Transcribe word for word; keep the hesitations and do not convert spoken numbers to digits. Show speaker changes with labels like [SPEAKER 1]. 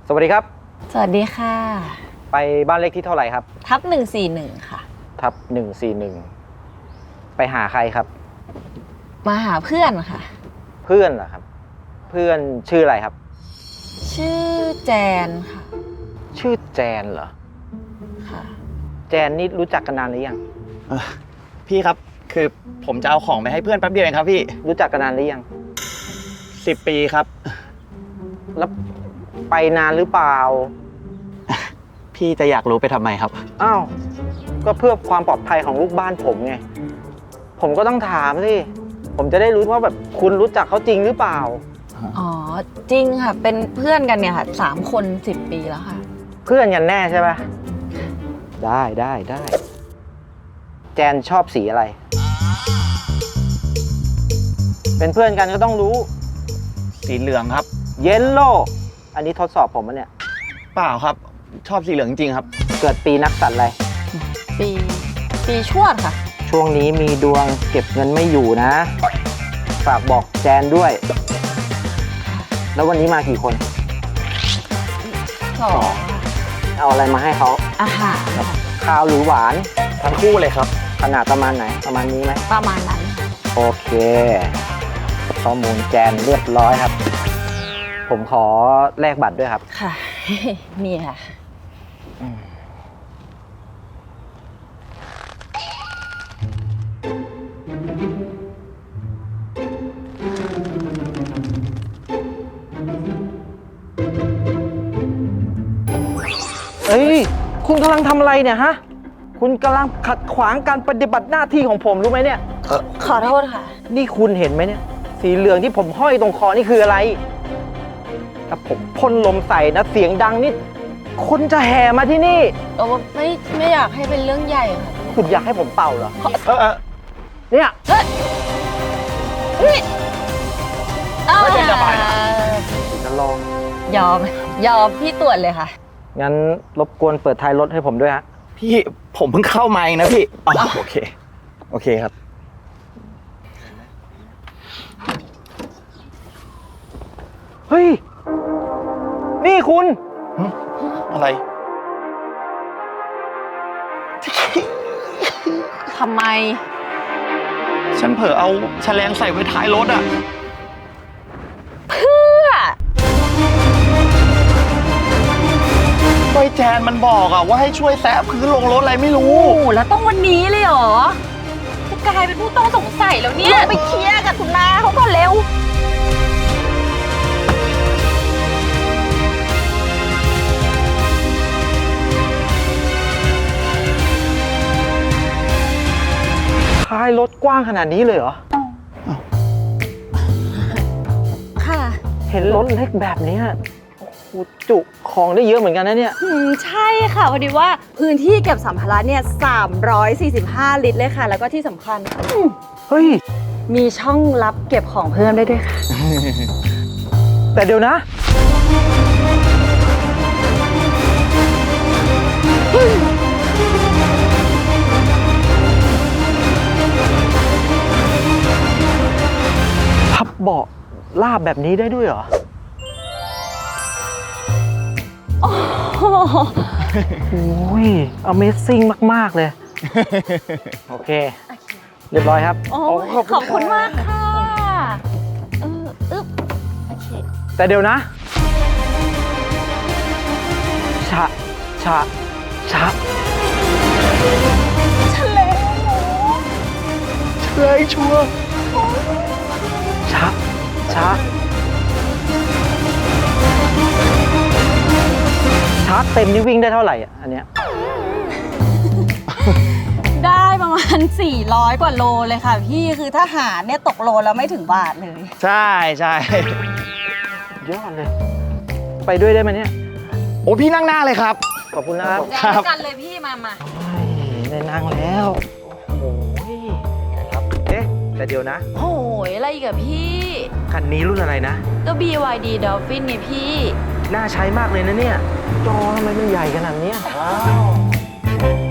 [SPEAKER 1] สวัสดีครับ
[SPEAKER 2] สวัสดีค่ะ
[SPEAKER 1] ไปบ้านเลขที่เท่าไหร่ครับ
[SPEAKER 2] ทับหนึ่งสี่หนึ่งค่ะ
[SPEAKER 1] ทับหนึ่งสี่หนึ่งไปหาใครครับ
[SPEAKER 2] มาหาเพื่อนค่ะ
[SPEAKER 1] เพื่อนเหรอครับเพื่อนชื่ออะไรครับ
[SPEAKER 2] ชื่อแจนค่ะ
[SPEAKER 1] ชื่อแจนเหรอ
[SPEAKER 2] ค่ะ
[SPEAKER 1] แจนนี่รู้จักกันนานหรือยัง
[SPEAKER 3] พี่ครับคือผมจะเอาของไปให้เพื่อนแป๊บเดียวเองครับพี่
[SPEAKER 1] รู้จักกันนานหรือยัง
[SPEAKER 3] สิบปีครับ
[SPEAKER 1] แล้วไปนานหรือเปล่า
[SPEAKER 3] พี่จะอยากรู้ไปทำไมครับ
[SPEAKER 1] อ้าวก็เพื่อความปลอดภัยของลูกบ้านผมไงผมก็ต้องถามสิผมจะได้รู้ว่าแบบคุณรู้จักเขาจริงหรือเปล่า
[SPEAKER 2] อ๋อจริงค่ะเป็นเพื่อนกันเนี่ยค่ะสามคนสิบปีแล้วค่ะ
[SPEAKER 1] เพื่อนกันแน่ใช่ปะได้ได้ได้แจนชอบสีอะไรเป็นเพื่อนกันก็ต้องรู้
[SPEAKER 3] สีเหลืองครับ
[SPEAKER 1] เยลโล่อันนี้ทดสอบผมมั้ยเนี่ย
[SPEAKER 3] เปล่าครับชอบสีเหลืองจริงครับ
[SPEAKER 1] เกิดปีนักสัตว์อะไร
[SPEAKER 2] ปีปีชวดค่ะ
[SPEAKER 1] ช่วงนี้มีดวงเก็บเงินไม่อยู่นะฝากบอกแจนด้วยแล้ววันนี้มากี่คน
[SPEAKER 2] สอง
[SPEAKER 1] เอาอะไรมาให้เขา
[SPEAKER 2] อาหาร
[SPEAKER 1] ข้าวหรือหวาน
[SPEAKER 3] ทั้งคู่เลยครับ
[SPEAKER 1] ขนาดประมาณไหนประมาณนี้ไหม
[SPEAKER 2] ประมาณนั้น
[SPEAKER 1] โอเคข้อมูลแจนเรียบร้อยครับผมขอแลกบัตรด้วยครับ
[SPEAKER 2] ค่ะนี่ค่ะ
[SPEAKER 1] เอ้ยคุณกำลังทำอะไรเนี่ยฮะคุณกำลังขัดขวางการปฏิบัติหน้าที่ของผมรู้ไหมเนี่ย
[SPEAKER 2] เออขอโทษค่ะ
[SPEAKER 1] นี่คุณเห็นไหมเนี่ยสีเหลืองที่ผมห้อยตรงคอนี่คืออะไรถ้าผมพ่นลมใส่นะเสียงดังนี่คนจะแห่มาที่นี่
[SPEAKER 2] เออไม่ไม่อยากให้เป็นเรื่องใหญ่ค่ะ
[SPEAKER 1] คุณอยากให้ผมเป่าเหรอ
[SPEAKER 3] เออ
[SPEAKER 1] เนี่ย
[SPEAKER 2] เฮ้ย
[SPEAKER 3] ไม่เป็นระบาย
[SPEAKER 1] จะลอง
[SPEAKER 2] ยอมยอมพี่ตรวจเลยค่ะ
[SPEAKER 1] งั้นรบกวนเปิดท้ายรถให้ผมด้วยฮะ
[SPEAKER 3] พี่ผมเพิ่งเข้ามาเองนะพี่อ๋อโอเคโอเคครับ
[SPEAKER 1] เฮ้ยนี่คุณ
[SPEAKER 3] อะไร
[SPEAKER 2] ทำไม
[SPEAKER 3] ฉันเผลอเอาแฉลงใส่ไว้ท้ายรถอ่ะ
[SPEAKER 2] เพื่อ
[SPEAKER 3] ก็ไอ้แจนมันบอกอะว่าให้ช่วยแซะพื้นลงรถอะไรไม่รู้
[SPEAKER 2] แล้วต้องวันนี้เลยเหรอจะกลายเป็นผู้ต้องสงสัยแล้วเนี่ยไปเคลียร์กับคุณนาเขาก่อนเร็ว
[SPEAKER 1] ท้ายรถกว้างขนาดนี้เลยเหรอ
[SPEAKER 2] ค่ะ
[SPEAKER 1] เห็นรถเล็กแบบนี้จุของได้เยอะเหมือนกันนะเนี่ย
[SPEAKER 2] ใช่ค่ะพอดีว่าพื้นที่เก็บสัมภาระเนี่ยสามร้อยสี่สิบห้าลิตรเลยค่ะแล้วก็ที่สำคัญ
[SPEAKER 1] เฮ้ย
[SPEAKER 2] มีช่องลับเก็บของเพิ่มได้ด้วยค่ะ
[SPEAKER 1] แต่เดี๋ยวนะพับเบาะลาบแบบนี้ได้ด้วยเหรอ
[SPEAKER 2] โอ้
[SPEAKER 1] โห Amazing มากๆเลยโอเคเรียบร้อยครับ
[SPEAKER 2] ขอบคุณมากค่ะเอออึ๊บโอเค
[SPEAKER 1] แต่เดี๋ยวนะชะชะชะ
[SPEAKER 2] เฉลย
[SPEAKER 3] เฉลยชัวร์
[SPEAKER 1] ชะชะชาร์จเต็มนี่วิ่งได้เท่าไหร่อ่ะอันเนี้ย
[SPEAKER 2] ได้ประมาณสี่ร้อยกว่าโลเลยค่ะพี่คือถ้าหารเนี่ยตกโลแล้วไม่ถึงบาทเลย
[SPEAKER 3] ใช่ใช่
[SPEAKER 1] ยอดเลยไปด้วยได้ไหมเนี่ย
[SPEAKER 3] โอ้พี่นั่งหน้าเลยครับ
[SPEAKER 1] ขอบคุณนะครับ
[SPEAKER 2] ได้กันเลยพี่มามา
[SPEAKER 1] ได้นั่งแล้วโอ้ยครับเอ๊ะแต่เดี๋ยวนะ
[SPEAKER 2] โอ้ยอะไรอีกอะพี่
[SPEAKER 1] คันนี้รุ่นอะไรนะ
[SPEAKER 2] ก็ บี วาย ดี Dolphin นี่พี่
[SPEAKER 1] น่าใช้มากเลยนะเนี่ยจอทำไมมันใหญ่ขนาดนี้ว้าว